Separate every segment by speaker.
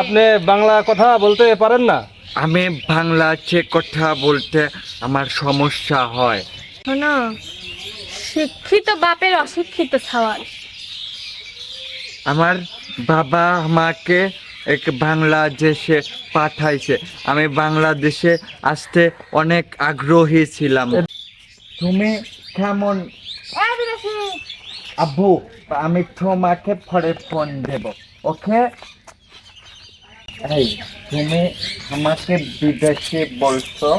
Speaker 1: আপনি বাংলা কথা বলতে পারেন না?
Speaker 2: আমি বাংলাতে কথা বলতে আমার সমস্যা হয়।
Speaker 3: শোনো, শিক্ষিত বাপের অশিক্ষিত ছাওয়াল।
Speaker 2: আমার বাবা আমাকে এক বাংলাদেশে পাঠাইছে। আমি বাংলাদেশে আসতে অনেক আগ্রহী ছিলাম। তুমি কেমন? আব্বু, আমি তোমাকে পরে ফোন দেব, ওকে? এই, তুমি আমাকে বিদেশি বলছো?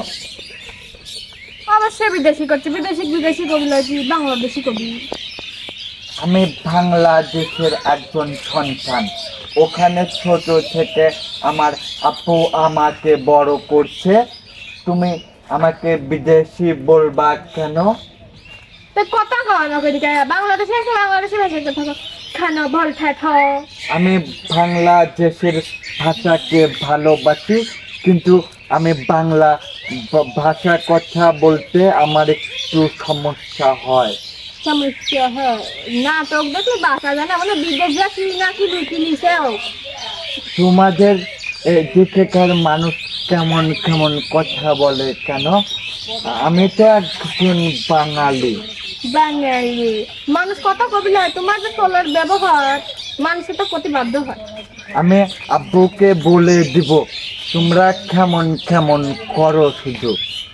Speaker 3: অবশ্যই বিদেশি করছে, বিদেশি কবি লাগি, বাংলাদেশি কবি।
Speaker 2: আমি বাংলাদেশের একজন সন্তান। ওখানে ছোট থেকে আমার আপু আমাকে বড় করছে। তুমি আমাকে বিদেশি বলবা কেন?
Speaker 3: তো কথা খাওয়ানো করি বাংলাদেশে এসে বাংলাদেশি ভাষায় কথা খানো বল ঠেঠো।
Speaker 2: আমি বাংলাদেশের ভাষাকে ভালোবাসি, কিন্তু আমি বাংলা ভাষা কথা বলতে আমার একটু সমস্যা হয়।
Speaker 3: সমস্যা হয় নাটক দেখলে বাসা জানা মানে বিদেশ যাচ্ছি নাকি ঢুকি নিছেও।
Speaker 2: তোমাদের এদিকেকার মানুষ কেমন কেমন কথা বলে কেন? আমি তো একজন বাঙালি।
Speaker 3: বাঙালি মানুষ কত কবি হয়, তোমার যে চলার ব্যবহার মানুষের তো প্রতিবাধ্য হয়।
Speaker 2: আমি আব্বুকে বলে দিব তোমরা কেমন কেমন করো, শুধু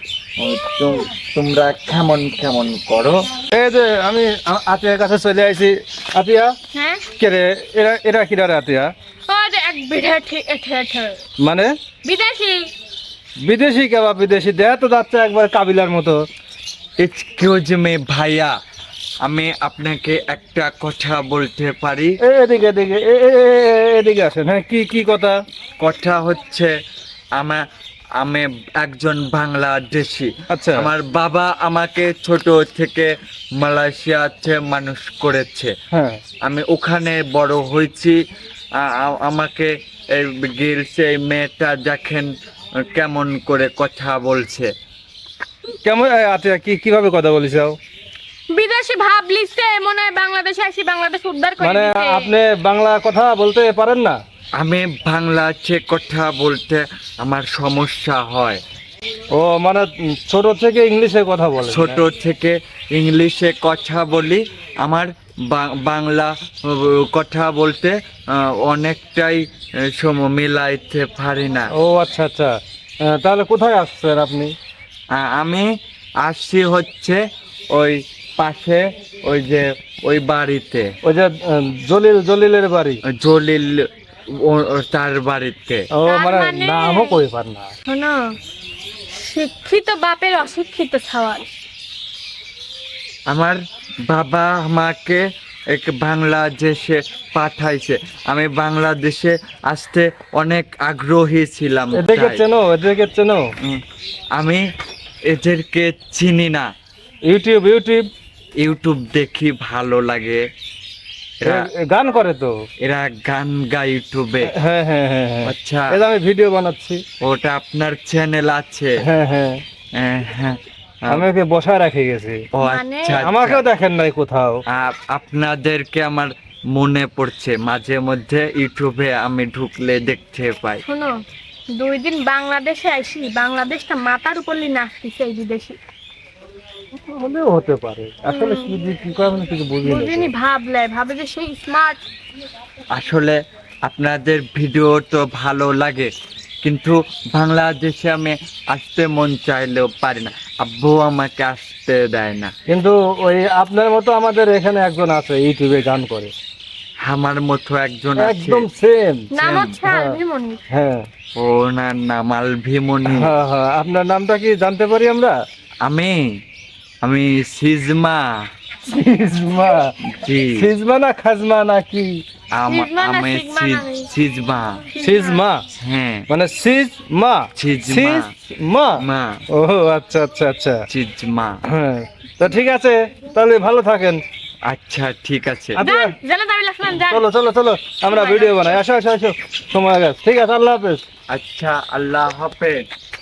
Speaker 2: তোমরা কেমন কেমন করো।
Speaker 1: এই যে আমি আতিয়ার কাছে চলে আইছি। আতিয়া,
Speaker 3: হ্যাঁ
Speaker 1: কে রে? এরা এরা কিরা রে আতিয়া?
Speaker 3: ওই এক বিদেশি ঠেঠো
Speaker 1: মানে
Speaker 3: বিদেশি।
Speaker 1: বিদেশি কেবা বিদেশি দেয়া তো যাচ্ছে একবার কাবিলার মতো।
Speaker 2: এক্সকিউজ মি ভাইয়া, আমি আপনাকে একটা কথা বলতে পারি?
Speaker 1: এদিকে এদিকে এদিকে আসেন। হ্যাঁ, কি কি কথা?
Speaker 2: কথা হচ্ছে আমি একজন বাংলাদেশি।
Speaker 1: আচ্ছা।
Speaker 2: আমার বাবা আমাকে ছোট থেকে মালয়েশিয়াতে মানুষ করেছে।
Speaker 1: হ্যাঁ,
Speaker 2: আমি ওখানে বড় হয়েছি। আমাকে এই গিলছে, এই মেয়েটা দেখেন কেমন করে কথা বলছে।
Speaker 1: কেমন আতিয়া, কিভাবে কথা বলিস?
Speaker 3: বিদেশি ভাব লিখছে মনে হয় বাংলাদেশে আসি বাংলাদেশ উদ্ধার করে
Speaker 1: মানে
Speaker 3: দিছে।
Speaker 1: আপনি বাংলা কথা বলতে পারেন না?
Speaker 2: আমি বাংলাতে কথা বলতে আমার সমস্যা হয়।
Speaker 1: ও মানে ছোট থেকে ইংলিশে কথা বলে?
Speaker 2: ছোট থেকে ইংলিশে কথা বলি। আমার বাংলা কথা বলতে অনেকটাই সময় মিলাইতে পারি না।
Speaker 1: ও আচ্ছা আচ্ছা। তাহলে কোথায় আসছেন আপনি?
Speaker 2: আমি আসছি হচ্ছে ওই পাশে, ওই যে ওই বাড়িতে,
Speaker 1: ওই যে জলিলের বাড়ি?
Speaker 2: জলিল তার বাড়িতে।
Speaker 1: ও মানে
Speaker 3: মানে-
Speaker 1: নামও কই পার না।
Speaker 3: শোনো, শিক্ষিত বাপের অশিক্ষিত ছাওয়াল।
Speaker 2: আমার বাবা আমাকে এক বাংলাদেশে পাঠাইছে। আমি বাংলাদেশে আসতে অনেক আগ্রহী ছিলাম।
Speaker 1: এদেরকে
Speaker 2: তাই।
Speaker 1: চেনো? এদেরকে চেনো?
Speaker 2: আমি এদেরকে চিনি না।
Speaker 1: ইউটিউব ইউটিউব
Speaker 2: ইউটিউব দেখি, ভালো লাগে।
Speaker 1: গান করে তো?
Speaker 2: এরা গান গায় ইউটিউবে।
Speaker 1: হ্যাঁ হ্যাঁ হ্যাঁ হ্যাঁ।
Speaker 2: আচ্ছা,
Speaker 1: এই যে আমি ভিডিও বানাচ্ছি।
Speaker 2: ওটা আপনার চ্যানেল আছে?
Speaker 1: হ্যাঁ হ্যাঁ,
Speaker 2: হ্যাঁ।
Speaker 1: আমি ওকে বসায় রেখে গেছি।
Speaker 2: ও
Speaker 3: মানে-
Speaker 2: আচ্ছা,
Speaker 1: আমাকেও দেখেন নাই কোথাও।
Speaker 2: আপনাদেরকে আমার মনে পড়ছে, মাঝে মধ্যে ইউটিউবে আমি ঢুকলে দেখতে পাই।
Speaker 3: শোনো, 2 দিন বাংলাদেশে আইসি বাংলাদেশটা মাথার উপর নিয়ে নাচতেছে এই বিদেশি।
Speaker 1: হলেও হতে পারে। আসলে কি করে আমি কিছু বুঝি না।
Speaker 3: বুঝিনি ভাবে যে সেই স্মার্ট।
Speaker 2: আসলে আপনাদের ভিডিও তো ভালো লাগে, কিন্তু বাংলাদেশে আমি আসতে মন চাইলেও পারি না। আব্বু আমাকে আসতে দেয় না।
Speaker 1: কিন্তু ওই আপনার মতো আমাদের এখানে একজন আছে ইউটিউবে গান করে,
Speaker 2: আমার মতো একজন আছে।
Speaker 1: একদম সেম।
Speaker 3: নাম হচ্ছে
Speaker 1: হ্যাঁ।
Speaker 3: আলভিমনি।
Speaker 1: হ্যাঁ
Speaker 2: ওনার নাম আলভিমনি।
Speaker 1: হ্যাঁ হ্যাঁ। আপনার নামটা কি জানতে পারি আমরা?
Speaker 2: আমি আমি সিজমা।
Speaker 1: সিজমা?
Speaker 2: জি,
Speaker 1: সিজমা না খাজমা নাকি?
Speaker 3: সিজমা না
Speaker 2: আমি
Speaker 3: সিগমা না?
Speaker 2: সিজমা।
Speaker 1: সিজমা
Speaker 2: হ্যাঁ,
Speaker 1: মানে সিজমা?
Speaker 2: সিজমা।
Speaker 1: সিজমা?
Speaker 2: মা,
Speaker 1: ও আচ্ছা আচ্ছা আচ্ছা।
Speaker 2: সিজমা।
Speaker 1: হ্যাঁ, তো ঠিক আছে, তাহলে ভালো থাকেন।
Speaker 2: আচ্ছা, ঠিক আছে।
Speaker 3: যান, জানা দাবি লাগছেন যান।
Speaker 1: চলো চলো চলো, আমরা ভিডিও বানাই। আসো আসো আসো, সময় গেছে। ঠিক আছে, আল্লাহ হাফেজ।
Speaker 2: আচ্ছা, আল্লাহ হাফেজ।